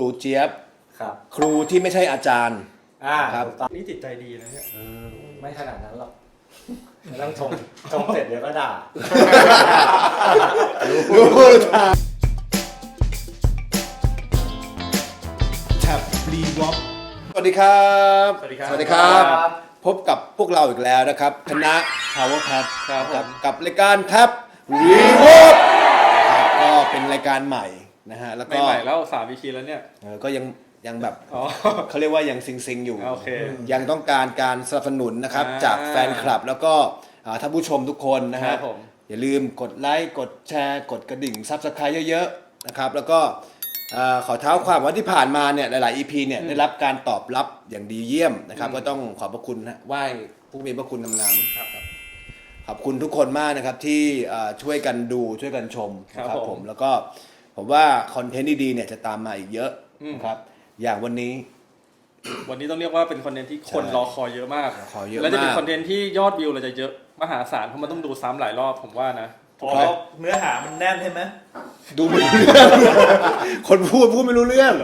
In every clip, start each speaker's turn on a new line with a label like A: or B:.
A: รูเจี๊ยบ
B: ครับ
A: ครูที่ไม่ใช่อาจารย์ ครับ
C: นี่จิตใจดีนะเนี่ย
B: ไม่ขนาดนั้นหรอกไม่ต้องชมเสร็จเดี๋ยวก็ด่า
A: แท็บรีวอล์กสวัสดีครับ
C: สวัสดีครับ
A: สวัสดีครับ พบกับพวกเราอีกแล้วนะครับคณะ Power Pad
C: ครับผม
A: กับรายการแท็บรีวอล์กก็เป็นรายการใหม่นะฮะแล้วก็
C: ใหม่ๆแล้ว3 EPแล้วเนี่ย
A: ก็ยังแบบ
C: อ๋อ
A: เขาเรียกว่ายังซิงอยู่
C: โอเค
A: ยังต้องการการสนับสนุนนะครับ
C: อ่า
A: จากแฟนคลับแล้วก็ท่านผู้ชมทุกคนนะ
C: ครั
A: ฮะ
C: บผม
A: อย่าลืมกดไลค์กดแชร์กดกระดิ่งซับสไครต์เยอะๆนะครับแล้วก็ขอเท้าความว่าที่ผ่านมาเนี่ยหลายๆ EP เนี่ยได้รับการตอบรับอย่างดีเยี่ยมนะครับก็ต้องขอบพระคุณนะไหว้ผู้มีพระคุณงามๆ
C: ครับ
A: ขอบคุณทุกคนมากนะครับที่ช่วยกันดูช่วยกันชมนะครับผมแล้วก็ผมว่าคอนเทนต์ดีๆเนี่ยจะตามมาอีกเยอะนะครับอย่างวันนี้
C: วันนี้ต้องเรียกว่าเป็นคอนเทนต์ที่คน
A: ใช่
C: รอคอยเยอะมาก
A: ขอเยอะ
C: และจะเป็น
A: มาก
C: คอนเทนต์ที่ยอดวิวเราจะเยอะมหาศาลเพราะมันต้องดูซ้ำหลายรอบผมว่านะ
D: อ๋อเนื้อหามันแน่นใช่ไหม
A: ดูไม่รู้เรื่องคนพูดไม่รู้เรื่อง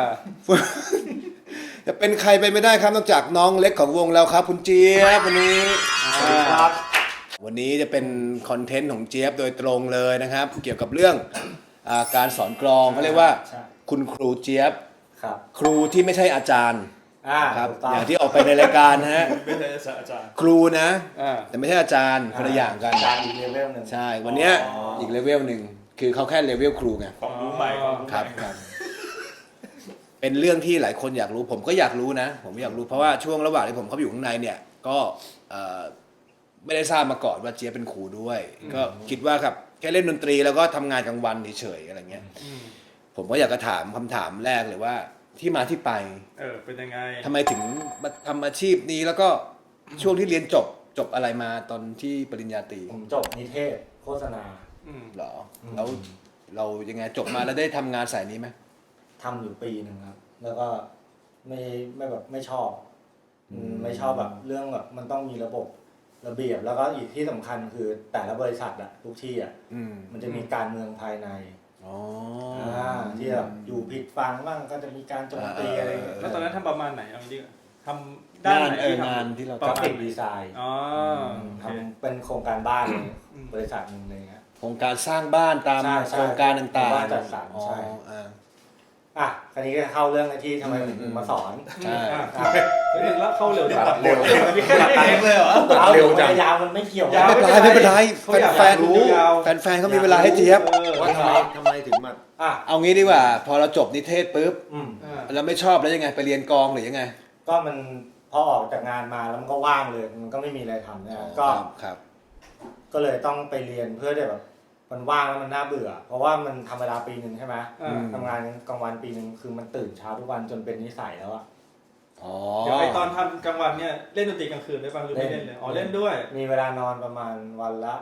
A: จะเป็นใครไปไม่ได้ครับนอกจากน้องเล็กของวงเราครับคุณเจี๊ยบวันนี้วันนี้จะเป็นคอนเทนต์ของเจี๊ยบโดยตรงเลยนะครับ เกี่ยวกับเรื่องการสอนกลองเขาเรียกว่า
B: ใช่
A: คุณครูเจี๊ยบ
B: ครับ
A: ครูที่ไม่ใช่อาจารย์ครับ
B: ถูกต้
A: อย่างที่ออกไปในรายการนะฮะ
D: ไม่ใช่อาจารย์
A: ครูนะ
C: อ่า
A: แต่ไม่ใช่อาจารย์คนละอย่างกัน
B: การอีกเลเวลหนึ่ง
A: ใช่วันเนี้ย
D: อ๋ออี
A: อีกเลเวลหนึ่งคือเขาแค่เลเวลครูไง
D: ของรู้ใหม่ของรู้
A: ครับ
D: ใหม่
A: ครับ เป็นเรื่องที่หลายคนอยากรู้ ผมก็อยากรู้นะ ผมอยากรู้เพราะว่าช่วงระหว่างที่ผมเข้าไปอยู่ข้างในเนี่ยก็ไม่ได้ทราบมาก่อนว่าเจี๊ยบเป็นครูด้วย ก็คิดว่าครับแค่เล่นดนตรีแล้วก็ทำงานกลางวันเฉยๆอะไรเงี้ยผมก็อยากจะถามคำถามแรกเลยว่าที่มาที่ไป
C: เป็นยังไง
A: ทำไมถึงมาทำอาชีพนี้แล้วก็ช่วงที่เรียนจบอะไรมาตอนที่ปริญญาตรี
B: ผมจบนิเทศโฆษณา
A: เหรอแล้วเรายังไงจบมาแล้วได้ทำงานสายนี้ไหม
B: ทำอยู่ปีหนึ่งครับ แล้วก็ไม่แบบไม่ชอบไม่ชอบแบบเรื่องแบบมันต้องมีระบบระเบียบ แล้วก็อีกที่สำคัญคือแต่ละบริษัทอะทุกที่อะมันจะมีการเมืองภายในที่แบบอยู่ผิดฟังบ้างก็จะมีการโจมตีอะไรอย่างเงี้ย
C: แล้วตอนนั้นทำประมาณไหนเอางี้ดีกว่าทำด้านไหนที่
A: งาน
C: ทำ
A: ที่เรา
B: กราฟิก
A: ทำ
B: ดีไซน์
C: อ๋อโอเค
B: ทำเป็นโครงการบ้านเลยบริษัทหนึ่งเลยครับ
A: โครงการสร้างบ้านตาม
B: ใช่ใช่
A: โครงการต่าง
B: บ้านจัดสรร
A: อ๋อ
B: ใช่
A: อ่า
B: คราวนี้ก็เข้าเรื่องไอ้ที่ทำไมถึงมาสอน
A: ใช่
C: แล้วเข้าเร็วจัง
D: เร็วตัดเองเลยเหรอ
B: เอาเร็วจังยาวมันไม่เกี่ยว
C: ยาว
A: ไม่เป็นไร
C: เขาอยาก
A: แฟน
C: รู้
A: แฟนเขามีเวลาให้เจี๊ยบ
E: ว่าทำไมถึงมา
A: เอางี้ดีกว่า พอเราจบนิเทศปุ๊บ
B: อืม
A: เราไม่ชอบแล้วยังไงไปเรียนกลองหรือยังไง
B: ก็มันพอออกจากงานมาแล้วมันก็ว่างเลยมันก็ไม่มีอะไรทำนะก็
A: ครับ
B: ก็เลยต้องไปเรียนเพื่อที่แบบมันว่างแล้วมันน่าเบื่อ เพราะว่ามันทำเวลาปีหนึ่งใช่ไหมทำงานกลางวันปีหนึ่งคือมันตื่นเช้าทุกวันจนเป็นนิสัยแล้วอะ
A: อ๋อ
C: เดี๋ยวไอตอนทำกลางวันเนี่ยเล่นดนตรีกลางคืนได้บ้างหรือไม่เล่นเลยอ๋อเล่นด้วย
B: มีเวลานอนประมาณวันละ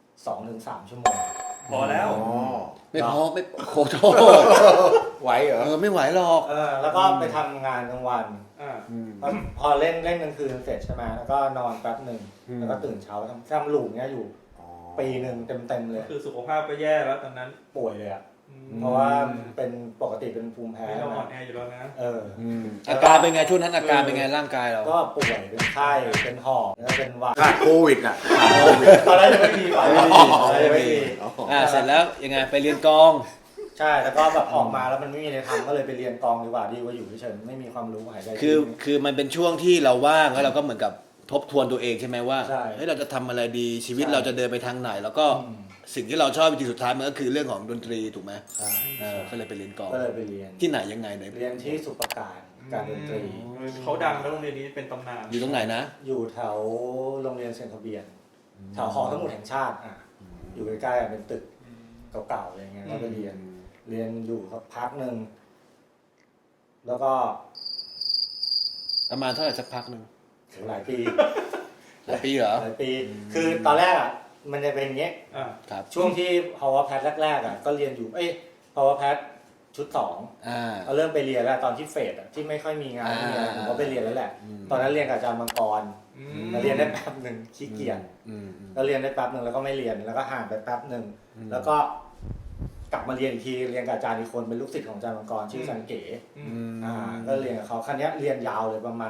B: 2-3 ชั่วโมง
D: พอแล้ว
A: ไม่พอไม่โคโท
E: ไหวเหรอ
A: ไม่ไหวหรอก
B: แล้วก็ไปทำงานกลางวัน พอเล่นกลางคืนเสร็จใช่ไหมแล้วก็นอนแป๊บหนึ่งแล้วก็ตื่นเช้าทำลูปเนี้ยอยู่ปีหนึ่งเต็มเลย
C: คือสุขภาพก็แย่แล้วตอนนั้น
B: ป่วยเลยอะเพราะว่าเป็นปกติเป็นภูมิแพ้
C: เราอ่อนแออยู่แล้วนะ
A: อาการเป็นไงช่วงนั้นอาการเป็นไงร่างกายเรา
B: ก็ป่วยเป็นไข้เป็นหอบแล้วเป็นหวัด
E: ขาดโควิดอ่ะ
B: ตอนแรกจะไม่มีก่อนเลยไม่มี
A: เสร็จแล้วยังไงไปเรียนกลอง
B: ใช่แล้วก็แบบออกมาแล้วมันไม่มีอะไรทำก็เลยไปเรียนกลองดีกว่าดีกว่าอยู่เฉยๆไม่มีความรู้หายใจ
A: คือมันเป็นช่วงที่เราว่างแล้วเราก็เหมือนกับทบทวนตัวเองใช่ไหมว่า
B: ใช่
A: เฮ้ยเราจะทำอะไรดีชีวิต
B: ใช่
A: เราจะเดินไปทางไหน แล้วก็สิ่งที่เราชอบจริงๆสุดท้ายมันก็คือเรื่องของดนตรีถูกไหม
B: ใช่
A: ก็เลยไปเรียนกลอง
B: ก็เลยไปเรียน
A: ที่ไหนยังไงไหน
B: เรียนที่สุประการการดนตรี
C: เขาดังแล้วโรงเรียนนี้เป็นตำนาน
A: อยู่ตรงไหนนะ
B: อยู่แถวโรงเรียนเซนต์ทะเบียนแถวหอสมุดแห่งชาติอยู่ใกล้ๆเป็นตึกเก่าๆอะไรเงี้ยแล้วก็เรียนอยู่สักพักหนึ่งแล้วก็
A: ประมาณเท่าไหร่สักพักหนึ่ง
B: หลายปี
A: หลายปีเหรอ
B: หลายปี คือตอนแรกมันจะเป็นอย่างเงี้ย
A: ครับ
B: ช่วงที่ Power Pad แรกๆก็เรียนอยู่Power Pad ชุด2เริ่มไปเรียนแล้วตอนที่เฟสที่ไม่ค่อยมีงานไม่มีอะไรผมก็ไปเรียนแล้วแหละตอนนั้นเรียนกับอาจารย์มังกรเรียนได้แป๊บหนึ่งขี้เกียจแล้วเรียนได้แป๊บหนึ่งแล้วก็ไม่เรียนแล้วก็ห่างไปแป๊บหนึ่งแล้วก็กลับมาเรียนอีกทีเรียนกับอาจารย์อีกคนเป็นลูกศิษย์ของอาจารย์มังกรชื่ออาจารย์เก๋ ก็เรียนกับเขาคันนี้ยเรียนยาวเลยประมาณ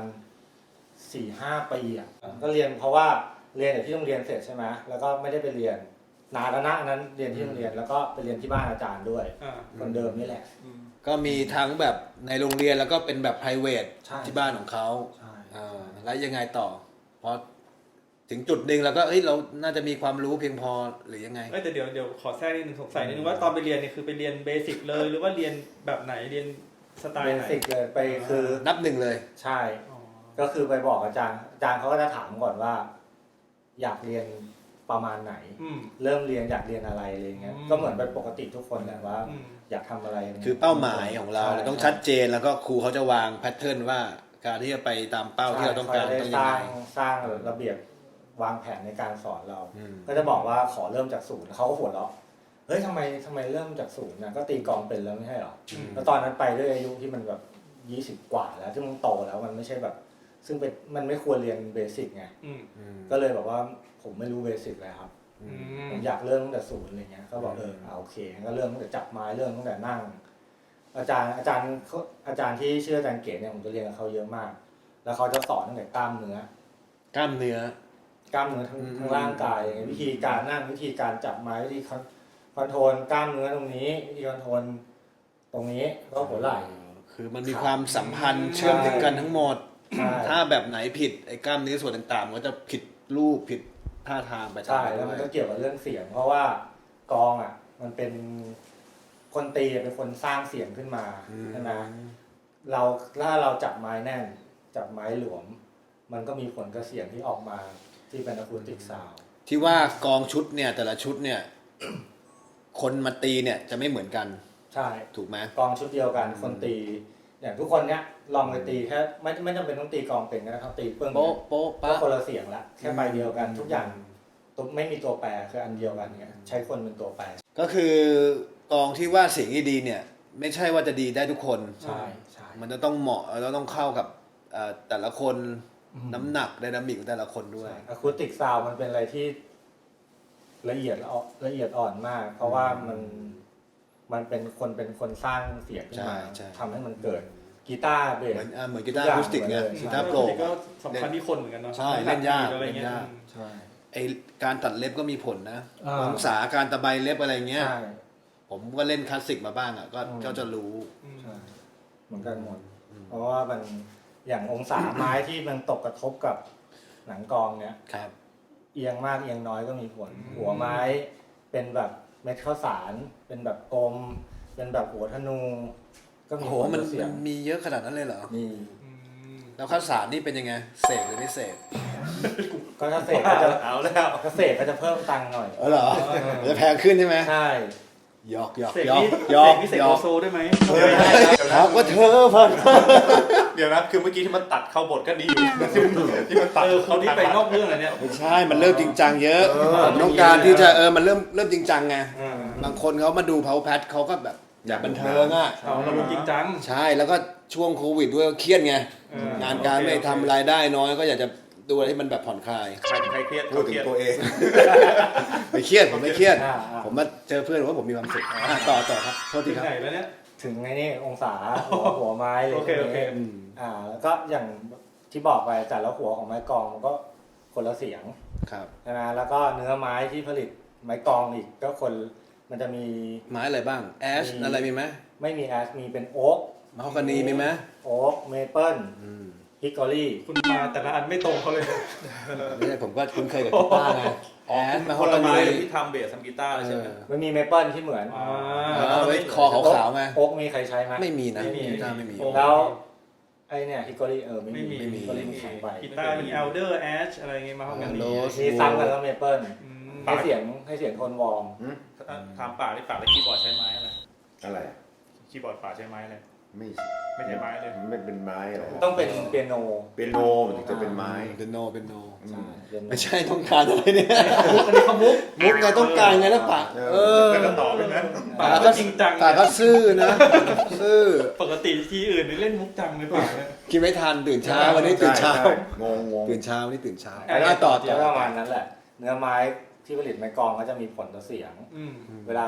B: 4-5 ปีอ่ะก็เรียนเพราะว่าเรียนจากที่โรงเรียนเสร็จใช่ไหมแล้วก็ไม่ได้ไปเรียนนานแล้วนะอันนั้นเรียนที่โรงเรียนแล้วก็ไปเรียนที่บ้านอาจารย์ด้วยคนเดิมนี่แหละ
A: ก็มีทั้งแบบในโรงเรียนแล้วก็เป็นแบบ private
B: ใช่
A: ที่บ้านของเขา
B: ใช่
A: แล้วยังไงต่อพอถึงจุดหนึ่งแล้วก็เฮ้ยเราน่าจะมีความรู้เพียงพอหรือยังไง
C: แต่เดี๋ยวขอแทรกนิดนึงสงสัยนิดนึงว่าตอนไปเรียนเนี่ยคือไปเรียนเบสิกเลยหรือว่าเรียนแบบไหนเรียนสไตล์
B: เบ
C: ไหน
B: สิกเลยไปคือ
A: นับหนึ่งเลย
B: ใช่ ก็คือไปบอกอาจารย์เขาก็จะถามก่อนว่า อยากเรียนประมาณไหน เริ่มเรียนอยากเรียนอะไรอะไรเงี้ยก็เหมือนเป็นปกติทุกคนแหละว่า อยากทำอะไร
A: คือเป้าหมายของเรา
B: ใช่
A: เราต้องชัดเจนแล้วก็ครูเขาจะวางแพทเทิร์นว่าการที่จะไปตามเป้าที่เราต้องการ
B: ใช่
A: ต้อง
B: ส
A: ยัง
B: ร้า
A: ไง
B: งสร้างระเบียบวางแผนในการสอนเรา
A: อืม
B: ก็จะบอกว่าขอเริ่มจากศูนย์เขาก็หัวเราะเฮ้ยทำไมเริ่มจากศูนย์นะก็ตีกลองเป็นแล้วไม่ใช่หรอแล้วตอนนั้นไปด้วยอายุที่มันแบบ20 กว่าแล้วที่มันโตแล้วมันไม่ใช่แบบ ซึ่งเป็นมันไม่ควรเรียนเบสิกไงก็เลยบอกว่าผมไม่รู้เบสิกเลยครับผมอยากเริ่มตั้งแต่ศูนย์อะไรเงี้ยก็บอกโอเคก็เริ่มตั้งแต่จับไม้เริ่มตั้งแต่นั่ง อาจารย์ที่ชื่ออาจารย์เก๋เนี่ยผมจะเรียนกับเขาเยอะมาก แล้วเขาจะสอนตั้งแต่กล้ามเนื้อกล้ามเนื้อทั้งร่างกายวิธีการนั่งวิธีการจับไม้วิธีคอนโทรลกล้ามเนื้อตรงนี้วิธีคอนโทรลตรงนี้ก็หัวไหล่
A: คือมันมีความสัมพันธ์เชื่อมถึงกันทั้งหมด
B: ใช่
A: ถ้าแบบไหนผิดไอ้กล้ามเนื้อส่วนต่างๆมันก็จะผิดรูปผิดท่าทางไป
B: ใช่แล้วมันก็เกี่ยวกับเรื่องเสียง เพราะว่ากลองอ่ะ มันเป็นคนตีเป็นคนสร้างเสียงขึ้นมาใช่ไหมถ้าเราจับไม้แน่นจับไม้หลวม มันก็มีผลกับเสียงที่ออกมาที่เป็นอะคูติกซาวด์
A: ที่ว่ากองชุดเนี่ยแต่ละชุดเนี่ย คนมาตีเนี่ยจะไม่เหมือนกัน
B: ใช่
A: ถูกไหม
B: กลองชุดเดียวกันคนตีอย่างทุกคนเนี้ยลองไปตีแค่ไม่จำเป็นต้องตีกลองเป็นก็ได้ครับตีเปิ้ง
A: โป๊ะโป๊ะ
B: ก็
A: ปะ
B: คนละเสียงละแค่ใบเดียวกันทุกอย่างตัวไม่มีตัวแปรคืออันเดียวกันเงี้ยใช้คนเป็นตัวแปร
A: ก็คือกองที่ว่าเสียงดีเนี่ย ไม่ใช่ว่าจะดีได้ทุกคน
B: ใช่ใช่
A: มันจะต้องเหมาะแล้วต้องเข้ากับแต่ละคนน้ำหนักไดนามิกของแต่ละคนด้วย
B: อะคูติกซาวมันเป็นอะไรที่ละเอียดอ่อนมาก เพราะว่ามันเป็นคนสร้างเสียงขึ้นมา
A: ใช่
B: ทำให้มันเกิดกีตาร์เบส
A: เหมือนกีตาร์อะคูสติกเนี่ย
B: ใช่
A: กีตาร์โปร่ง
C: ก็สำคัญที่คนเหมือนกันเนาะ
A: ใช่เล่นยาก
C: อะไรเงี้ย
A: เล่นยาก
B: ใช่
A: ไอการตัดเล็บก็มีผลนะ
B: อ่า
A: องศาการตะไบเล็บอะไรเงี้ย
B: ใช่
A: ผมก็เล่นคลาสสิกมาบ้างอ่ะก็จะรู้
B: ใช่เหมือนกันหมดเพราะว่ามันอย่างองศาไม้ที่มันตกกระทบกับหนังกลองเนี้ย
A: ครับ
B: เอียงมากเอียงน้อยก็มีผล หัวไม้เป็นแบบเม็ดข้าวสาร เป็นแบบกลม เป็นแบบหัวธนู ก็มี
A: โอ้โห
B: ผล
A: มัน
B: ต่อเสียง
A: มีเยอะขนาดนั้นเลยเหรอ
B: มี
A: แล้วข้าวสารนี่เป็นยังไงเสกหรือไม่เสก
B: ก็ถ้าเสกก็จะ
E: เอาแล้ว
B: ถ้าเสกก็จะเพิ่มตังค์หน่อย
A: เหรอมันจะแพงขึ้นใช่ไหม
B: ใช่
A: หยอกหยอก
C: เสก
A: หยอก
C: นี่
A: หยอก
C: เสก
A: หย
C: โล
A: อก
C: โซได้ไหม
A: ครับก็เธอพัน
E: เดี๋ยวนะคือเมื่อกี้ที่มันตัดเข้าบทก็ดีอยู่ที่มันตัด
C: เขาที่ไปนอกเรื่องอะไรเนี่ย
A: ไม่ใช่มันเริ่มจริงจังเยอะผมต้องการที่จะมันเริ่มจริงจังไง
B: อืม
A: บางคนเขามาดูเพาแพทเขาก็แบบอยากบันเทิงอ่ะ
C: เราลงจริงจัง
A: ใช่แล้วก็ช่วงโควิดด้วยเครียดไง งานการไม่ทำรายได้น้อยก็อยากจะดูอะไรที่มันแบบผ่อนคลาย
E: ใครเครียดพูดถึงตัวเอง
A: ไม่เครียดผมไม่เครียด
B: อ่า
A: ผมมาเจอเพื่อนว่าผมมีความสุขต่อครับโทษที
C: ถึง
A: ครับ
C: ไหนแล้วเนี่ย
B: ถึงไงนี่องศาหัวไม้เลย
C: โอเคโอเค
B: แล้วก็อย่างที่บอกไปแต่ละหัวของไม้กลองมันก็คนละเสียง
A: ครับ
B: ใช่ไหมแล้วก็เนื้อไม้ที่ผลิตไม้กลองอีกก็มันจะมี
A: ไม้อะไรบ้างแอชอะไรมีไหม
B: ไม่มีแอชมีเป็นโอ๊ก
A: มะฮอกกานีมีไหม
B: โอ๊กเมเปิลฮิกกอรี่
C: คุณมาแต่ละอันไม่ตรงเขาเลย
A: ไม่ใช่ผมก็คุ้นเคยกับกีตาร์ไงแอชมะฮ
E: ค
A: อก
E: น
A: กา
E: ละไม้
A: นี
E: ที่ทำเบสทำกีตาร์เลยใช่ไหม
B: มันมีเมเปิลที่เหมือน
A: ไว้คอขาวๆไง
B: โอ๊กมีใครใช้ไหม
A: ไม่มีนะ
C: ไม่มี
A: กีตาร์ไม่มี
B: แล้วไอเนี่ยฮิกกอรี่ไม่
C: ไม่มี
B: ฮิกกอรี่มันแข็งไป
C: กีตาร์มีเอลเดอร์แอชอะไรเงี้ยมาเข้ากัน
A: โล
B: มีซ้ำกันแล้วเมเปิลให้เสียงโทนวอร์ม
D: ถามป่าที่ป่าแล้วคีย์บอร์ดใช้ไม้อะไร
E: อะไร
D: คีย์บอร์ดป่าใช้ไม้อะไร
E: ไม่
D: ไม่ใช่ไม้เลย
E: มันเป็นไม้อะไร
B: ต้องเป็นเปียโน
E: เปียโนมันถึงจะเป็นไม้
A: เป็นโนเป็นโน
B: ใช่เปียโน
A: ไม่ใช่ต้องการอะไรเนี่ย
C: อันนี้เขามุก
A: มุกไงต้องการไงแล้วปะ
E: แล้วก็ต่อเป็นนั้น
C: ป่าก็จริงจัง
A: ปะก็ซื่อนะซื่อ
C: ปกติทีอื่นนี่เล่นมุกจังเลยป่าเนี่ย
A: กินไม่ทันตื่นเช้าวันนี้ตื่นเช้า
E: งง
A: ตื่นเช้าวันนี้ตื่นเช้า
B: แล้ว
A: ต่อ
B: ประมาณนั้นแหละ เนื้อไม้ที่ผลิตไม้กลองก็จะมีผลต่อเสียง เวลา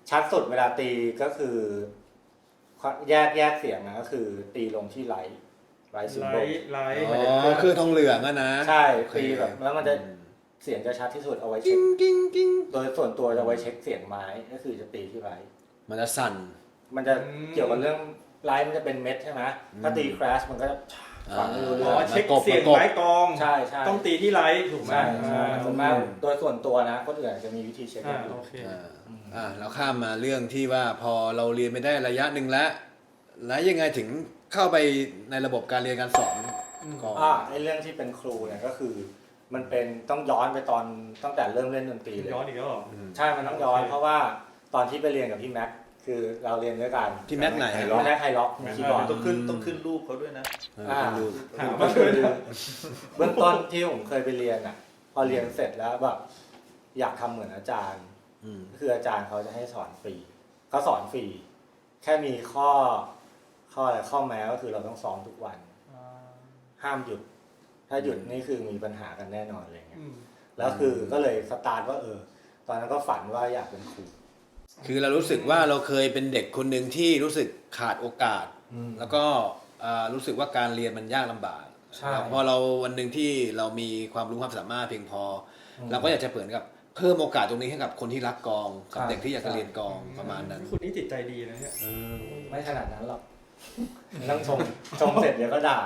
B: ชัดสุดเวลาตีก็คือแยกเสียงนะก็คือตีลงที่ไลท์ซิมโบล
C: ไลท์
A: อ๋อคือทองเหลืองอะนะ
B: ใช่
A: โอเค
B: ตีแบบแล้วมันจะเสียงจะชัดที่สุดเอาไว้เช็คโดยส่วนตัวจะไว้เช็คเสียงไม้ก็คือจะตีที่ไลท์
A: มันจะสั่น
B: มันจะเกี่ยวกับเรื่องไลท์มันจะเป็นเม็ดใช่ไหมถ้าตีคราชมันก็จะฟังไม่รู้เรื่
C: อ๋
B: อ
C: อง เช็คเสียงไม้กลอง
B: ใช่ใช่
C: ต้องตีที่ไลท์ถูกไหม
B: ใช่ส่วนมากโดยส่วนตัวนะคนอื่นจะมีวิธีเช็ค
C: อ่า
B: กันอยู่
C: โอเค
A: เราข้ามมาเรื่องที่ว่าพอเราเรียนไปได้ระยะหนึ่งแล้วยังไงถึงเข้าไปในระบบการเรียนการสอนก่อน
B: ไอ้เรื่องที่เป็นครูเนี่ยก็คือ มันเป็นต้องย้อนไปตอนตั้งแต่เริ่มเล่นดนตรีเลย
C: ย้อนอีกแล้วเหรอ
B: ใช่มันต้องย้อนเพราะว่าตอนที่ไปเรียนกับพี่แม็กคือเราเรียนด้วยกัน
A: พี่แม็กไหน
B: พี่แม็กไฮล็อกคีย์บอร์ด
D: ต้องขึ้นรูปเขาด้วยนะ
A: ดู
C: ถาม
B: ก็
C: ว่า
B: คือเบื้องต้นที่ผมเคยไปเรียนอ่ะ พอเรียนเสร็จแล้วแบบอยากทำเหมือนอาจารย์ก็คืออาจารย์เขาจะให้สอนฟรีเขาสอนฟรีแค่มีข้ออะไรข้อแม้ก็คือเราต้องซ้อมทุกวัน ห้ามหยุด ถ้าหยุดนี่คือมีปัญหากันแน่นอนอะไรเงี้ยแล้วคือก็เลยสตาร์ทว่าตอนนั้นก็ฝันว่าอยากเป็นครู
A: คือเรารู้สึกว่าเราเคยเป็นเด็กคนหนึ่งที่รู้สึกขาดโอกาส แล้วก็รู้สึกว่าการเรียนมันยากลำบาก
B: ใช่
A: แล้วพอเราวันหนึ่งที่เรามีความรู้ความสามารถเพียงพอเราก็อยากจะเปิดกับเพิ่มโอกาสตรงนี้ให้กับคนที่รักกลองกับเด็กที่อยากจะเรียนกลองประมาณนั้น
C: คุณนี่จิตใจดีนะเนี่ย
B: ไม่ขนาดนั้นหรอกต้องชมเสร็จเดี๋ยวก็ด่า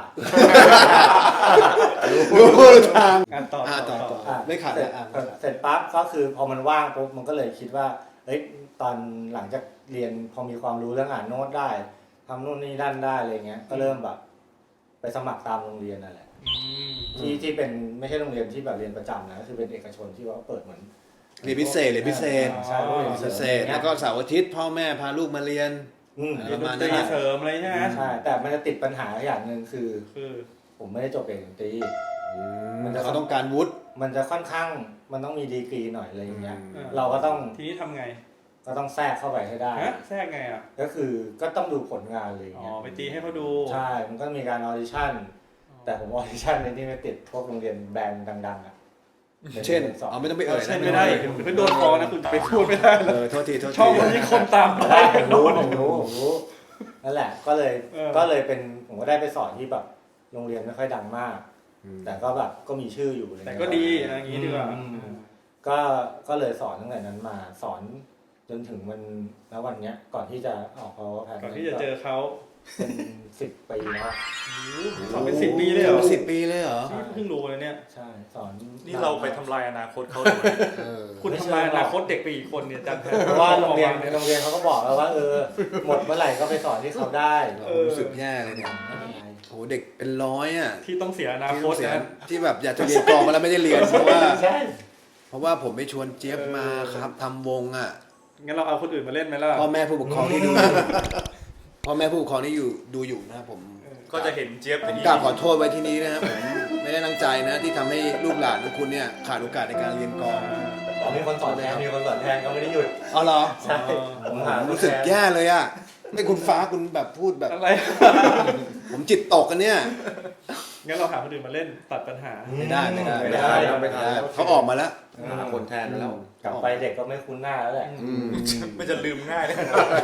A: รู้ทาง
C: ต่อ
A: ต่อ ไม่ขาด
B: เสร็จ เสร็จปั๊บก็คือพอมันว่างปุ๊บมันก็เลยคิดว่าตอนหลังจากเรียนพอมีความรู้เรื่องอ่านโน้ตได้ทำนู่นนี่นั่นได้อะไรเงี้ยก็เริ่มแบบไปสมัครตามโรงเรียนนั่นแหละที่เป็นไม่ใช่โรงเรียนที่แบบเรียนประจำนะคือเป็นเอกชนที่ว่าเปิดเหมือน
A: เรียนพิเศษ
B: ใช่โรงเรียน
A: พิเศษแล้วก็เสาร์อาทิตย์พ่อแม่พาลูกมาเรียน
C: เรียนดนตรีเสริมอะไรใช่ไหม
B: ใช่แต่มันจะติดปัญหาอย่างหนึ่งคือ
C: คือ
B: ผมไม่ได้จบเอกดนตรี
A: เขาต้องการวุฒิ
B: มันจะค่อนข้างมันต้องมีดีกรีหน่อยอะไรอย่างเงี้ย
A: อืม
B: เราก็ต้อง
C: ทีนี้ทำไง
B: ก็ต้องแทรกเข้าไปให้ได้
C: ฮะแทรกไงอ่ะ
B: ก็คือก็ต้องดูผลงานเลยอย่าง
C: อ๋อ
B: เงี้ย
C: ไปตีให้เขาดู
B: ใช่มันก็มีการออดิชั่นแต่ผมออดิชั่นในที่ไม่ติดพวกโรงเรียนแบรนด์ดังๆอ่ะ
A: เช่น
B: สอบ
A: เอาไม่ต้องไปเอ่ย
C: ใช่ไม่ได้เดี๋ยวคุณโดนฟ้องนะคุณจะไปพูดไม่ได้นะ
A: โทษที
C: ช่องมันมีคนตามไป
B: ผมรู้นั่นแหละก็เลยเป็นผมก็ได้ไปสอนที่แบบโรงเรียนไม่ค่อยดังมาก แต่ก็แบบก็มีชื่ออยู่อะไร
C: แต่
B: เงี้ย
C: ก็ดีนะอย่างนี้ดีกว่า
B: ก็เลยสอนตั้งแต่นั้นมาสอนจนถึงวันเนี้ยก่อนที่จะออกเขาแพน
C: ก่อนที่จะเจอเขา
B: เป็น10 ปีแล้ว
C: สอนเป็น10 ปีเลยเหรอ
A: 10 ปีเลยเหรอ
C: นี่เพิ่งรู้เลยเนี่ย
B: ใช่สอน
D: นี่เราไปทำลายอนาคตเขาเลย
C: คุณทำลายอนาคตเด็กไปอีกคนเนี่ยจัง
B: เพราะว่าโรงเรียนเขาก็บอกแล้วว่าหมดเมื่อไหร่ก็ไปสอนที่เขาได้
A: รู้สึกแย่เลยเนี่ย
B: ไม่เป็นไร
A: โหเด็กเป็นร้อยอ่ะ
C: ที่ต้องเสียอนาคต
A: ที่
C: นะ
A: ที่แบบอยากจะเรียนกลองมาแล้วไม่ได้เรียนเพราะว่า
B: ใช่
A: เพราะว่าผมไปชวนเจี๊ยบมาครับทำวงอ่ะ
C: งั้นเราเอาคนอื่นมาเล่นไหมล่ะ
A: พ่อแม่ผู้ปกครองที่ดูพ่อแม่ผู้ปกครองที่ดูอยู่นะครับผม
D: ก็จะเห็นเจี๊ยบ
A: ผมกราบขอโทษไว้ที่นี้นะครับผมไม่ได้ตั้งใจนะที่ทำให้ลูกหลานของคุณเนี่ยขาดโอกาสในการเรียนกลอง
B: มีคนสอนแทนก็ไม่ได้หยุด
A: เอาเหรอ
B: ใช่ผมหา
A: รู้สึกแย่เลยอ่ะไม่คุณฟ้าคุณแบบพูดแบบ
C: อะไร
A: ผมจิตตกกันเนี่ย
C: งั้นเราหาคนอื่นมาเล่นตัดปัญหา
A: ไม่ได้
B: ไม่ได้
A: เขาออกมาแล้ว
E: หาคนแทนมาแล้ว
B: กลับไปเด็กก็ไม่คุ้นหน้าแล้วแหละ
D: ไม่จะลืมง่ายเลย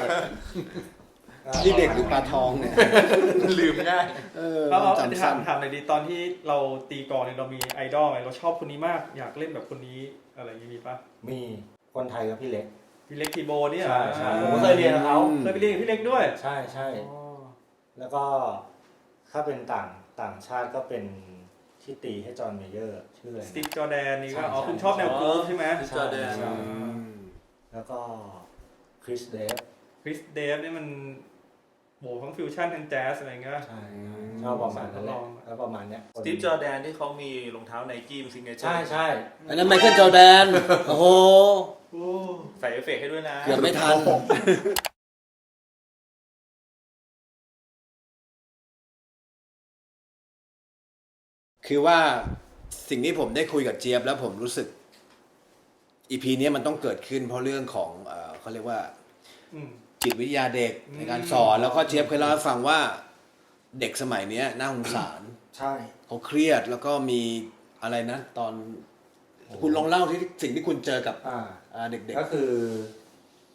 A: นี่เด็กหรือปลาทองเนี่ย
D: ลืมง่าย
C: แล้วเรา
A: จำสั้น
C: ถามหน่อยดีตอนที่เราตีกลองเนี่ยเรามีไอดอลไหมเราชอบคนนี้มากอยากเล่นแบบคนนี้อะไรอย่างนี้มีปะ
B: มีคนไทยกับพี่เล็ก
C: พี่เล็กทีโบเนี่ย
B: ใช่ผมก็เคยเรียนกับเขา
C: เคยไปเรียนกับพี่เล็กด้วย
B: ใช่ใช่แล้วก็ถ้าเป็นต่างชาติก็เป็นที่ตีให้จอห์นเมเยอร์ชื่ออะไร
C: สตีฟจอร์แดนนี่ก็
B: ใช่
C: อ๋อ
B: ใช่
C: คุณชอบแนวกรูฟใช่ไหม
D: Steve Jordan
B: ใช่แล้วก็คริสเดฟ
C: คริสเดฟนี่มันโหทั้งฟิวชั่นทั้งแจ๊สอะไรเงี้ย
B: ใช่ชอบประมาณนั้นแหละ
C: ลอง
B: แล้วประมาณเนี้ย
D: สตีฟจอร์แดนที่เขามีรองเท้าไนกี้ซิงเกิล
B: ใช่ใช่
A: อันนั้นไมเคิลจอร์แดนโอ้โห
D: ใส่เอฟเฟกต์ให้ด้วยนะ
A: เกือบไม่ทัน คือว่าสิ่งที่ผมได้คุยกับเจี๊ยบแล้วผมรู้สึก EP นี้มันต้องเกิดขึ้นเพราะเรื่องของเขาเรียกว่า
C: อืม
A: จิตวิทยาเด็กในการสอน แล้วก็เจี๊ยบเคยเล่าให้ฟังว่าเด็กสมัยเนี้ยน่าสงสาร
B: ใช่
A: เขาเครียดแล้วก็มีอะไรนะ ตอนคุณลองเล่าที่สิ่งที่คุณเจอกับเด็ก
B: ก็คือ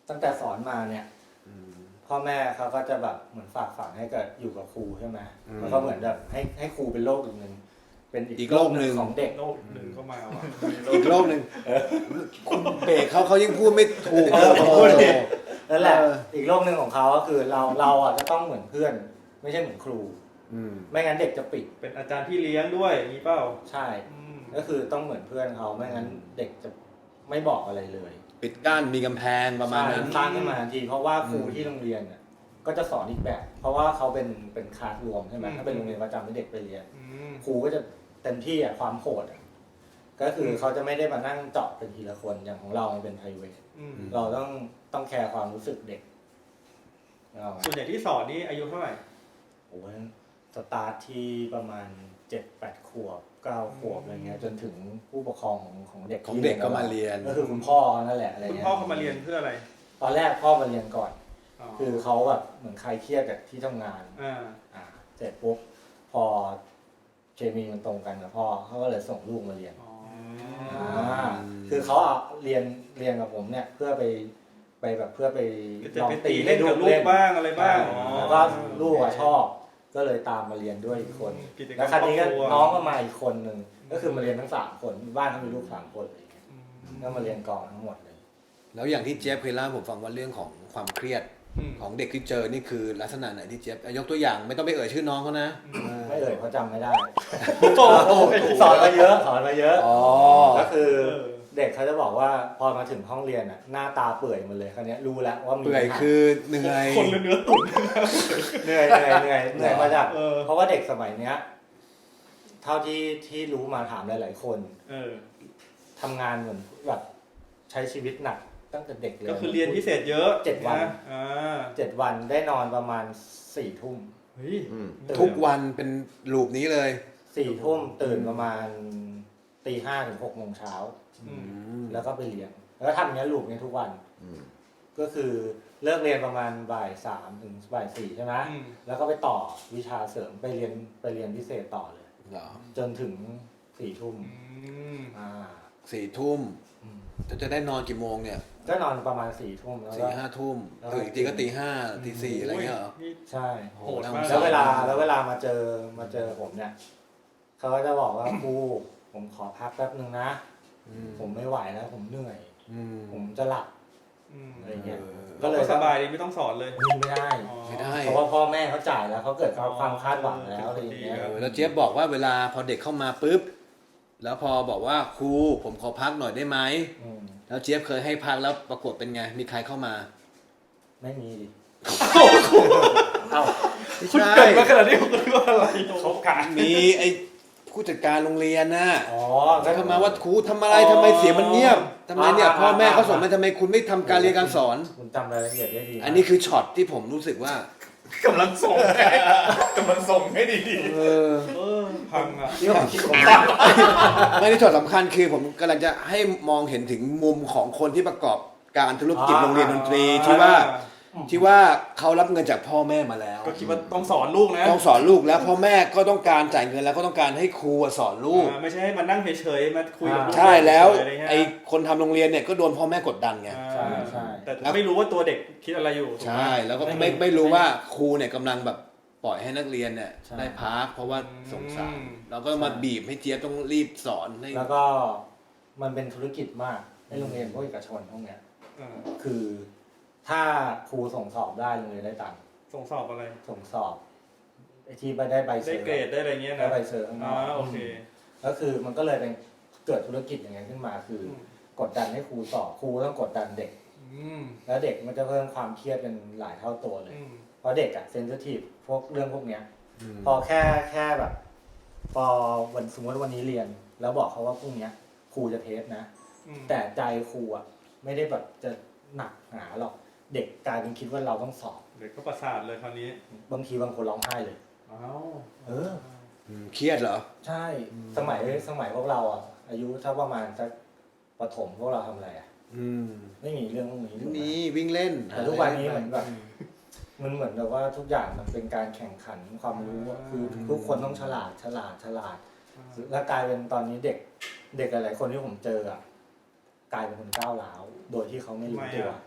B: ตั้งแต่สอนมาเนี่ย พ่อแม่เขาก็จะแบบเหมือนฝากฝังให้กับอยู่กับครูใช่ไหมแล้วก็เหมือนแบบให้ครูเป็นโลกอีกหนึ่งเป็นอีกโลกหนึ่งของเด็ก
C: โลกหนึ่งเข้ามาว่ะ
A: อีกโลกหนึ่งคุณเบรกเขายิ่งพูดไม่ถูก
B: ผมพูดผิด นั่นแหละอีกโลกหนึ่งของเขาก็คือเราอ่ะจะต้องเหมือนเพื่อน ไม่ใช่เหมือนครู ไม่งั้นเด็กจะปิด
C: เป็นอาจารย์พี่เลี้ยงด้วยอย่างนี้เปล่า
B: ใช่ก็คือต้องเหมือนเพื่อนเขาไม่งั้นเด็กจะไม่บอกอะไรเลย
A: ปิดกั้นมีกำแพงประมาณนั้น
B: สร้างขึ้นมาทันทีเพราะว่าครูที่โรงเรียนเนี่ยก็จะสอนอีกแบบ เพราะว่าเขาเป็นคลาสรวมใช่ไหมถ้าเป็นโรงเรียนประจำให้เด็กไปเรียนครูก็จะเต็มที่อ่ะความโหดอ่ะก็คือเขาจะไม่ได้มานั่งเจาะเป็นทีละคนอย่างของเรามันเป็น private เราต้องแคร์ความรู้สึกเด็ก
C: ส่วนใหญ่ที่สอนนี่อายุเท่าไหร่
B: โอ้ยสตาร์ทที่ประมาณ 7-8 ขวบ 9 ขวบอะไรเงี้ยจนถึงผู้ปกครองของเด็ก
A: ของเด็กก็มาเรียน
B: ก็คือคุณพ่อนั่นแหละอะไร
C: คุณ
B: เงี้ย
C: พ่อเขามาเรียนเพื่ออะไร
B: ตอนแรกพ่อมาเรียนก่อน
C: อ๋อ
B: คือเขาแบบเหมือนใครเครียดจากที่ทำงาน เสร็จปุ๊บพอเคมีมันตรงกันกับพ่อเขาก็เลยส่งลูกมาเรียน
C: อ๋อ
B: คือเขาเอาเรียนกับผมเนี่ยเพื่อไปแบบเพื่อไป
C: จะ
B: ลอง
C: ไป
B: ตี
C: ตี
B: ให้
C: เล่น
B: ลู
C: กับ
B: ก
C: ลู
B: เล่
C: ก
B: น
C: บ้างอะไรบ้างอ๋อ
B: แล้วก็ลูกอะชอบ ก็เลยตามมาเรียนด้วยอีกคน
C: กิจกรรม
B: แล้วคราวนี้ก็
C: ครอบครัว
B: น้องก็มาอีกคนหนึ่งก็คือมาเรียนทั้ง3 คนบ้านเขามีลูก3 คนอะไรอย่างเงี้ยก็มาเรียนกองทั้งหมดเลย
A: แล้วอย่างที่เจฟเคยเล่าให้ผมฟังว่าเรื่องของความเครียดของเด็กที่เจอนี่คือลักษณะไหนที่เจฟยกตัวอย่างไม่ต้องไปเอ่ยชื่อน้องเขานะ
B: ไม่เอ่ยเพราะจำไม่ได้
C: โอ้โห
B: สอนมาเยอะ
A: อ๋อ
B: ก็คือเด็กเขาจะบอกว่าพอมาถึงห้องเรียนอ่ะหน้าตาเปื่อยหมดเลยคราวนี้รู้แล้วว่ามี
A: เปื่อยคือเหนื่อย
C: คนละเนื้อตุ๋น
B: เหนื่อยมาจากเพราะว่าเด็กสมัยเนี้ยเท่าที่รู้มาถามหลายๆคนทำงานเหมือนแบบใช้ชีวิตหนักตั้งแต่เด็กเลย
C: ก็คือเรียนพิเศษเยอะ
B: 7 วัน 7 วันได้นอนประมาณ4 ทุ่ม
C: เฮ้ย
A: ทุกวันเป็นลูปนี้เลย
B: 4 ทุ่มตื่นประมาณตี 5 ถึง 6 โมงเช้าแล้วก็ไปเรียนแล้วทำอย่างนี้ยลูกนี้ทุกวันก็คือเลิกเรียนประมาณบ่าย 3 ถึงบ่าย 4ใช่ไหมแล้วก็ไปต่อวิชาเสริมไปเรียนพิเศษต่อเลยจนถึง4 ทุ่ม
A: 4 ทุ่มจะได้นอนกี่โมงเนี่ย
B: ก็นอนประมาณ4 ทุ่มแล้วก็
A: 4-5 ทุ่มตื่นอีกทีก็ตี 5 ตี 4อะไรเงี้ยเหรอ
B: ใช่
C: โหดมาก
B: แล้วเวลามาเจอผมเนี่ยเขาก็จะบอกว่าครูผมขอพักแป๊บนึงนะผมไม่ไหวแล้วผมเหนื่อยผมจะหลับอะไรเงี้ย
C: ก็เลยสบายดีไม่ต้องสอนเลย
B: ไม่ได้
A: ไม่ได้
B: เพราะว่าพ่อแม่เขาจ่ายแล้วเขาเกิดความคาดหวังแล้วอะไรอย่างเงี้ย
A: แล้วเจี๊ยบบอกว่าเวลาพอเด็กเข้ามาปุ๊บแล้วพอบอกว่าครูผมขอพักหน่อยได้ไหมแล้วเจี๊ยบเคยให้พักแล้วปรากฏเป็นไงมีใครเข้ามา
B: ไม่มีดิ
A: เอ้า
C: คุณเกิดมาขนาดนี้คุณรู้อะไร
D: เขากะ
A: มีไอ้ผู้จัดการโรงเรียนน่ะ
B: อ๋อ
A: เข้ามาว่าครูทำอะไรทำไมเสียงมันเงียบทำไมเนี่ยพ่อแม่เขาสอนมาทำไมคุณไม่ทำการเรียนการสอน
B: คุณจำรายละเอียดได้ดี
A: อันนี้คือช็อตที่ผมรู้สึกว่าก
D: ำลังส่งให้ดี
C: พังอ่ะ
B: ที่ผมคิดผม
A: ไม่ได้ช็อตสำคัญคือผมกำลังจะให้มองเห็นถึงมุมของคนที่ประกอบการธุรกิจโรงเรียนดนตรีที่ว่าเขารับเงินจากพ่อแม่มาแล้ว
C: ก็คิดว่าต้องสอนลูกนะ
A: ต้องสอนลูกแล้วพ่อแม่ก็ต้องการจ่ายเงินแล้วก็ต้องการให้ครูสอนลูก
C: ไม่ใช่ให้มานั่งเฉยๆมาคุยกับลูก
A: ใช่แล้ว
C: ะรเงี้ย
A: ไอ้คนทำโรงเรียนเนี่ยก็โดนพ่อแม่กดดันไง
B: ใช่ใช่
C: แต่ไม่รู้ว่าตัวเด็กคิดอะไรอยู่ถูกไหม
A: ใช่แล้วก็ไม่รู้ว่าครูเนี่ยกำลังแบบปล่อยให้นักเรียนเนี่ยได้พักเพราะว่าสงสารแล้วก็มาบีบให้เจี๊ยบต้องรีบสอนให้
B: แล้วก็มันเป็นธุรกิจมากในโรงเรียนพวกเอกชนพวกเนี้ยคือถ้าครูส่งสอบได้โรงเรียนได้ตังค์
C: ส่งสอบอะไร
B: ส่งสอบไอที่ไปได้ใบเซอ
C: ได้
B: ร์
C: เกรดได้อะไรเงี้ย
B: ได้
C: นะ
B: ใบเซอร์ข้างนอก
C: โอเค
B: ก็คือมันก็เลยเป็นเกิดธุรกิจอย่างเงี้ยขึ้นมาคือกดดันให้ครูสอบครูต้องกดดันเด็กแล้วเด็กมันจะเพิ่มความเครียดเป็นหลายเท่าตัวเลยเพราะเด็กอะเซนซิทีฟพวกเรื่องพวกเนี้ยพอแค่แบบพอวันสมมติวันนี้เรียนแล้วบอกเขาว่าพรุ่งนี้ครูจะเทสนะแต่ใจครูอะไม่ได้แบบจะหนักหนาหรอกเด็กกลายเป็นคิดว่าเราต้องสอบ
C: เด็กก็ประสาทเลยคราวนี้
B: บางทีบางคนร้องไห้เลย
C: อ้าว
A: เครียดเหรอ
B: ใช่สมัยพวกเราอ่ะอายุถ้าประมาณสักประถมพวกเราทำอะไรอ่ะไม่มีเรื่องพวกนี้ถูกไหม
A: นี่วิ่งเล่น
B: แต่ทุกวันนี้เหมือนแบบมันเหมือนแบบว่าทุกอย่างมันเป็นการแข่งขันความรู้อะคือทุกคนต้องฉลาดแล้วกลายเป็นตอนนี้เด็กหลายๆคนที่ผมเจออ่ะกลายเป็นคนก้าวร้าวโดยที่เขาไม่รู้ตัว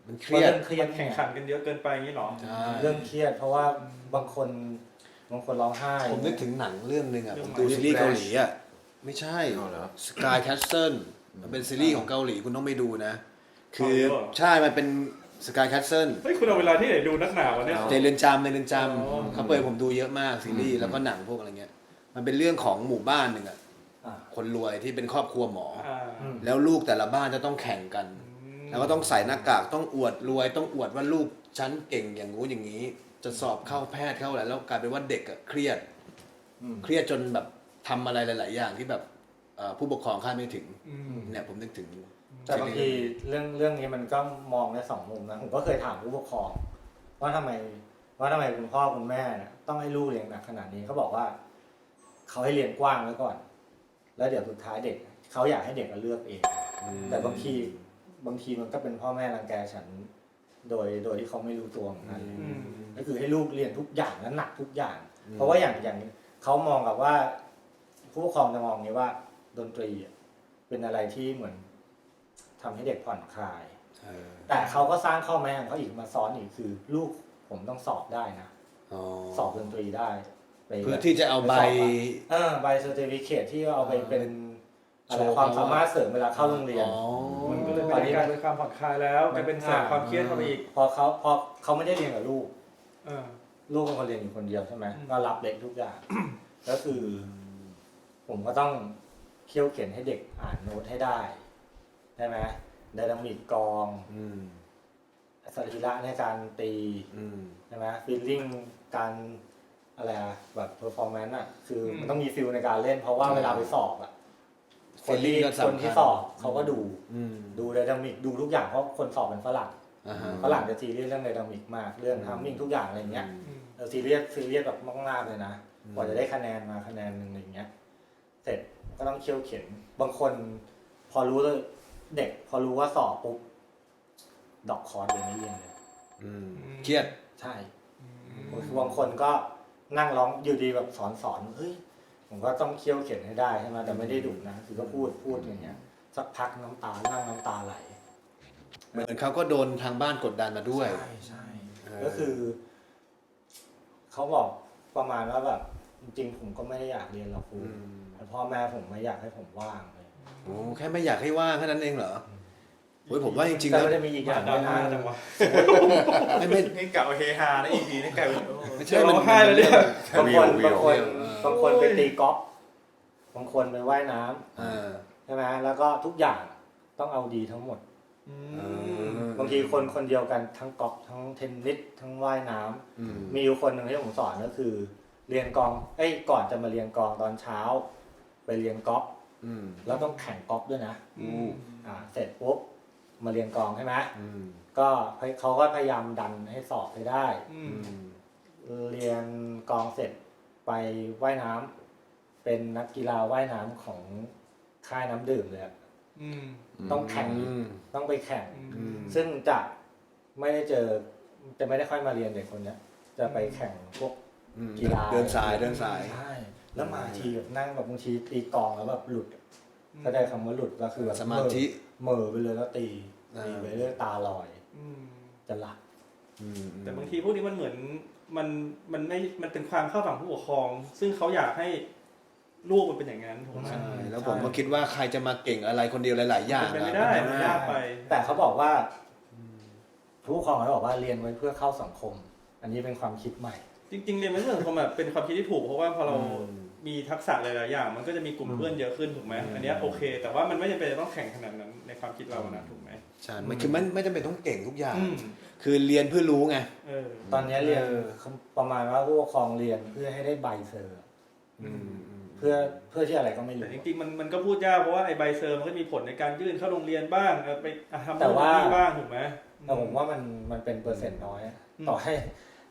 A: มันเครียด
B: เรื่องเครียด
C: แข่งขันกันเยอะเกินไปอย่างนี้หรอ
A: ใช่
B: เรื่องเครียดเพราะว่าบางคนร้องไห้
A: ผมนึกถึงหนังเรื่องหนึ่งอ่ะ
C: เรื่
A: ผ
C: อง
A: มดูซีรีส์เกาหลีอ่ะไม่ใช่
E: เอาเหรอ
A: Sky Castle มันเป็นซีรีส์ของเกาหลีคุณต้องไปดูนะ คือ
C: เอาเหรอ
A: ใช่มันเป็น Sky Castle
C: เฮ้ยคุณเอาเวลาที่ไหนดูนักหนาวะเนี่ย
A: ในเรือนจำ
C: อ๋อ
A: เขาเปิดผมดูเยอะมากซีรีส์แล้วก็หนังพวกอะไรเงี้ยมันเป็นเรื่องของหมู่บ้านหนึ่งอ่ะ
B: อ่ะ
A: คนรวยที่เป็นครอบครัวหมอ
C: อืม
A: แล้วลูกแต่ละบ้านจะต้องแข่งกัน แล้วก็ต้องใส่หน้ากากต้องอวดรวย ต้องอวดว่าลูกฉันเก่งอย่างงู้นอย่างนี้ จะสอบเข้าแพทย์เข้าอะไรแล้วกลายเป็นว่าเด็กอะเครียด เครียดจนแบบทำอะไรหลาย ๆ อย่างที่แบบผู้ปกครองคาดไม่ถึง
C: อืม
A: เนี่ยผมนึกถึง
B: แต่บางทีเรื่องนี้มันก็มองได้สองมุมนะผมก็เคยถามผู้ปกครองว่าทำไมคุณพ่อคุณแม่เนี่ยต้องให้ลูกเรียนหนักขนาดนี้เขาบอกว่าเขาให้เรียนกว้างไว้ก่อน แล้วเดี๋ยวสุดท้ายเด็กเขาอยากให้เด็กมาเลือกเอง แต่บางทีมันก็เป็นพ่อแม่รังแกฉันโดยที่เขาไม่รู้ตัวเหมือนกัน
C: อืม
B: ก็คือให้ลูกเรียนทุกอย่างและหนักทุกอย่าง เพราะว่าอย่างเขามองกับว่า ผู้ปกครองจะมองนี้ว่าดนตรีอ่ะเป็นอะไรที่เหมือนทำให้เด็กผ่อนคลาย แต่เขาก็สร้างข้อแม้ของเขาอีกมาซ้อนอีกคือ ลูกผมต้องสอบได้นะสอบดนตรีได้ไป
A: เพื่อที่จะเอาใบ
B: ใบเซอร์ติฟิเคทที่เอาไปเป็นอะไร
A: โชว์
B: ความสามารถเสริมเวลาเข้าโรงเรียน
C: มันก็เลยไม่ได้กลายเป็นความผ่อนคลายแล้วกลายเป็นแสบความเครียดเข้าไปอีก
B: พอเขาไม่ได้เรียนกับลูก
C: เออ
B: ลูกเป็นคนเรียนอยู่คนเดียวใช่ไหม
C: อืม
B: ก็รับเล็กทุกอย่าง ก็คือ ผมก็ต้องเคี่ยวเข็นให้เด็กอ่านโน้ตให้ได้ใช่ไหมไดนามิกกลองสรีระในการตีใช่ไหมฟีลลิ่งการอะไรอะแบบเพอร์ฟอร์แมนซ์อะคือมันต้องมีฟิลในการเล่น เพราะว่าเวลาไปสอบอะคนที่
A: feeling ก็สำคัญ
B: คนที่สอบเขาก็ดูไดนามิกดูทุกอย่างเพราะคนสอบเป็นฝรั่งฝรั่งจะซีเรียสเรื่องไดนามิกมากเรื่องทัมมิ่งทุกอย่างอะไรเงี้ย ซีเรียสแบบมากๆเลยนะกว่าจะได้คะแนนมาคะแนนหนึ่งอะไรเงี้ยเสร็จก็ต้องเคี่ยวเข็นบางคนพอรู้เลยเด็กพอรู้ว่าสอบปุ๊บดอกคอร์สเลยไม่เรียนเลย
A: เครียด
B: ใช่บางคนก็นั่งร้องอยู่ดีแบบสอนเฮ้ยผมก็ต้องเคี่ยวเข็นให้ได้ใช่ไหมแต่ไม่ได้ดุนะคือก็พูดอย่างเงี้ยสักพักน้ำตาไหล
A: เหมือนเขาก็โดนทางบ้านกดดันมาด้วย
B: ใช่ก็คือเขาบอกประมาณว่าแบบจริงๆผมก็ไม่ได้อยากเรียนหรอกครูแต่พ่อแม่ผมไม่อยากให้ผมว่างเลย
A: โอ้แค่ไม่อยากให้ว่างแค่นั้นเองเหรอโอ้ยผมว่าจริงๆ
B: แต่
A: แล้ว
B: มันจะมีอีกอย่าง
C: ดรา
B: ด้วย
C: ม่า
B: นะ
C: จังวะ
A: ไม่
E: นี่กะว่าเฮฮานะ EP นี่กลายเป็น
A: ไม่
C: จะ
A: ใช่
C: ร้องไห้แล้วเนี่ย
B: บางคนไปตีกอล์ฟบางคนไปว่ายน้ำใช่ไหมแล้วก็ทุกอย่างต้องเอาดีทั้งหมด บางทีคนเดียวกันทั้งกอล์ฟทั้งเทนนิสทั้งว่ายน้ำมีอยู่คนหนึ่งที่ผมสอนก็คือ เรียนกลองก่อนจะมาเรียนกลองตอนเช้า ไปเรียนกอล์ฟแล้วต้องแข่งกอล์ฟด้วยนะเสร็จปุ๊บมาเรียนกลองใช่ไหมก็เขาก็พยายามดันให้สอบไปได้เรียนกลองเสร็จไปว่ายน้ำเป็นนักกีฬาว่ายน้ำของค่ายน้ำดื่มเลยต้องแข่งต้องไปแข่งซึ่งจะไม่ได้ค่อยมาเรียนเด็กคนนี้จะไปแข่งพวกกีฬา
A: เดินสาย
B: ใช่แล้วมาทีแบบนั่งแบบบางทีตีกลองแล้วแบบหลุดก็ได้คำว่าหลุดก็คือแบบ
A: สมาธิ
B: เหม่อไปเลยแล้วตีไปเรื่อยตาลอยจะหลับ
C: แต่บางทีพวกนี้มันเหมือนมันไม่มันเป็นความเข้าฝั่งผู้ปกครอง ซึ่งเขาอยากให้ลูกมันเป็นอย่างนั้นถูกไหม
A: ใช่แล้วผมก็คิดว่าใครจะมาเก่งอะไรคนเดียวหลายๆอย่าง
C: เป็นไม่ได้มันยากไป
B: แต่เขาบอกว่าผู้ปกครองเขาบอกว่าเรียนไว้เพื่อเข้าสังคม อันนี้เป็นความคิดใหม่
C: จริงๆเรียนเป็นเรื่องของแบบเป็นความคิดที่ถูกเพราะว่าพอเรามีทักษะหลายๆอย่างมันก็จะมีกลุ่มเพื่อนเยอะขึ้นถูกไหมอันนี้โอเค แต่ว่ามันไม่จำเป็นจะต้องแข่งขนาดนั้นในความคิดเรานะถูกไหม
A: ใช่มันคือไม่จำเป็นต้องเก่งทุกอย่างคือเรียนเพื่อรู้ไง
B: ตอนนี้เรียนประมาณว่าผู้ปกครองเรียนเพื่อให้ได้ใบเซอร์เพื่อที่อะไรก็ไม่รู้
C: แต่จริงๆมันก็พูดยากเพราะว่าไอ้ใบเซอร์มันก็มีผลในการยื่นเข้าโรงเรียนบ้างไปทำ
B: แต่ว่า
C: ที่บ้างถูกไหม
B: แต่ผมว่ามันเป็นเปอร์เซ็นต์น้อยต่อให้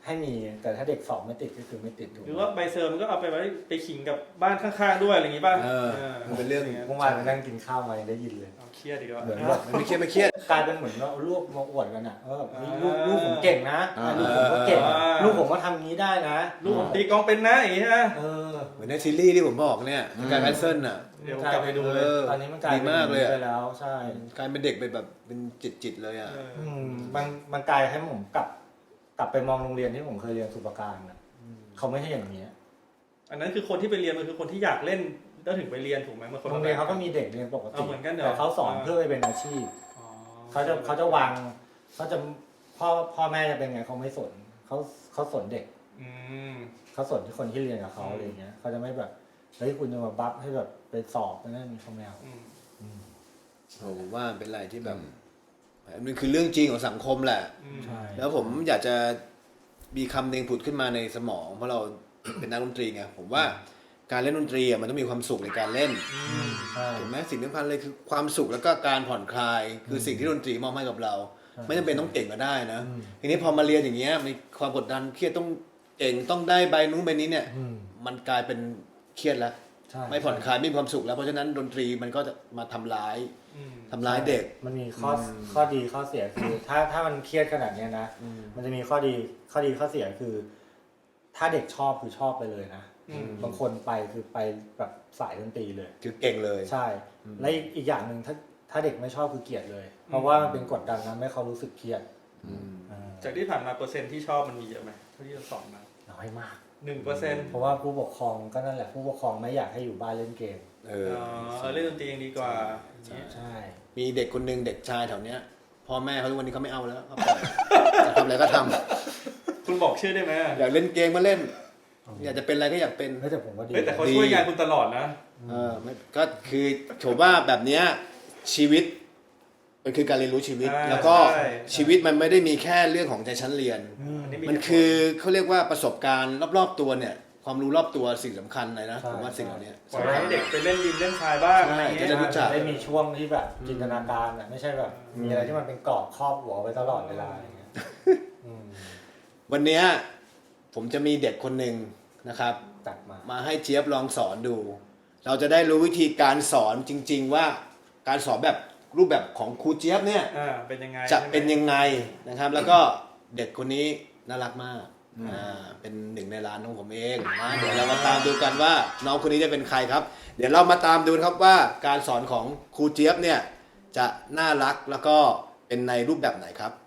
B: ให้มีแต่ถ้าเด็กสอบไม่ติดก็คือไม่ติดถูก
C: หรือว่าใบเซอร์มันก็เอาไปไว้ไปขิงกับบ้านข้างๆด้วยอะไรอย่างงี้ป่ะ
A: มันเป็นเรื่อง
B: เมื่อวานไปนั่งกินข้าวมายังได้ยินเลย
C: เอาเครียดดีกว่า
B: เหมือนแบบ
A: ไม่เครียดไม่เครียด
B: กลายเป็นเหมือนว่าเอาลูกมาอวดกันอ่ะว่าแบบเฮ้ยลูกผมเก่งนะลูกผมก็เก่งลูกผมก็ทำงี้ได้นะ
C: ลูกผมตีกลองเป็นนะอย่างงี้ฮะ
A: เหมือนในซีรีส์ที่ผมบอกเนี่ยการแพทเซิลน่ะ
C: เดี๋ยวกลับไปดูเลย
B: ตอนนี้มันกลายเป็น
A: ดีมากเลยอะ
B: ไปแล้วใช่
A: กลายเป็นเด็กเป็นแบบเป็นจิตเลยอ่ะ
B: มันกลายให้ผมกลับไปมองโรงเรียนที่ผมเคยเรียนสุปการนะเขาไม่ให้อย่างนี้
C: อันนั้นคือคนที่ไปเรียนมันคือคนที่อยากเล่นแล้วถึงไปเรียนถูกไหมมันคน
B: โรงเรียนเขาก็มีเด็กเรียนปกติ
C: เหมือนกันเหรอ
B: แต่เขาสอนเพื่อไปเป็นอาชีพ
C: อ๋อ
B: เขาจะวางเขาจะพ่อแม่จะเป็นไงเขาไม่สนเขาสนเด็ก
C: อืม
B: เขาสนที่คนที่เรียนกับเขาอะไรอย่างเงี้ยเขาจะไม่แบบเฮ้ยคุณจะมาบัฟให้แบบไปสอบนั่นนี่เขาไม่เอา
A: ผมว่าเป็นอะไรที่แบบมันคือเรื่องจริงของสังคมแหละ
B: ใช่
A: แล้วผมอยากจะมีคำหนึ่งผุดขึ้นมาในสมองเพราะเรา เป็นนักดนตรีไงผมว่าการเล่นดนตรีอ่ะมันต้องมีความสุขในการเล่น
B: ใช่
A: ถูกไหมสิ่งสำคัญเลยคือความสุขแล้วก็การผ่อนคลาย คือสิ่งที่ดนตรีมอบให้กับเรา ไม่จำเป็นต้องเก่งก็ได้นะทีนี้พอมาเรียนอย่างเงี้ยมีความกดดันเครียดต้องเก่งต้องได้ใบนู้นใบนี้เนี่ยมันกลายเป็นเครียดแล้ว
B: ใช่
A: ไม่ผ่อนคลายไม่มีความสุขแล้วเพราะฉะนั้นดนตรีมันก็จะมาทำร้ายเด็ก
B: มันมีข้อดีข้อเสียคือ ถ้ามันเครียดขนาดเนี้ยนะมันจะมีข้อดีข้อเสียคือ ถ้าเด็กชอบคือชอบไปเลยนะบางคนไปคือไปแบบสายดนตรีเลย
A: คือเก่งเลย
B: ใช่และอีกอย่างหนึ่งถ้าเด็กไม่ชอบคือเกลียดเลย เพราะว่ามันเป็นกดดันนะไม่ให้เขารู้สึกเครียด
C: จากที่ผ่านมาเปอร์เซ็นต์ที่ชอบมันมีเยอะไหมเท่าที่เราสอนมา
B: น้อยมาก
C: 1%
B: เพราะว่าผู้ปกครองก็นั่นแหละผู้ปกครองไม่อยากให้อยู่บ้านเล่นเกม
C: เล่นดนตรีเองดีกว่า
B: ใช่
A: มีเด็กคนหนึ่งเด็กชายแถวเนี้ยพ่อแม่เขาทุกวันนี้เขาไม่เอาแล้วเขาปล่อยจะทำอะไรก็ทำ
C: คุณบอกชื่อได้ไหม
A: อยากเล่นเกมก็เล่น อยากจะเป็นอะไรก็อยากเป็น
B: แต่ผมว่าดี
C: แต่เขาช่วยงานคุณตลอดนะ
A: ไม่ก็คือผมว่าแบบเนี้ยชีวิตมันคือการเรียนรู้ชีวิต แล้วก็ชีวิตมันไม่ได้มีแค่เรื่องของใจชั้นเรียน มันคือเขาเรียกว่าประสบการณ์รอบๆตัวเนี่ย ความรู้รอบตัวสิ่งสำคัญเลยนะผมว่าสิ่งเหล่านี้
C: ปล่อยให้เด็กไปเล่นดินเล่นทรายบ้างอะไรอย่างเงี้ย
A: จะได้รู้จัก
B: ได้มีช่วงที่แบบจินตนาการอ่ะไม่ใช่แบบมีอะไรที่มันเป็นกรอบครอบหัวไว้ตลอดเวลาอย่างเงี้ย
A: วันเนี้ยผมจะมีเด็กคนหนึ่งนะครับ
B: ตัดมา
A: มาให้เจี๊ยบลองสอนดู เราจะได้รู้วิธีการสอนจริง ๆ ว่าการสอนแบบรูปแบบของครูเจี๊ยบเนี่ย
C: เป็นยังไง
A: จะเป็นยังไงนะครับ แล้วก็เด็กคนนี้น่ารักมากเป็นหนึ่งในร้านของผมเองนะเดี๋ยวเรามาตามดูกันว่าน้องคนนี้จะเป็นใครครับ เดี๋ยวเรามาตามดูครับว่าการสอนของครูเจี๊ยบเนี่ยจะน่ารักแล้วก็เป็นในรูปแบบไหนครับ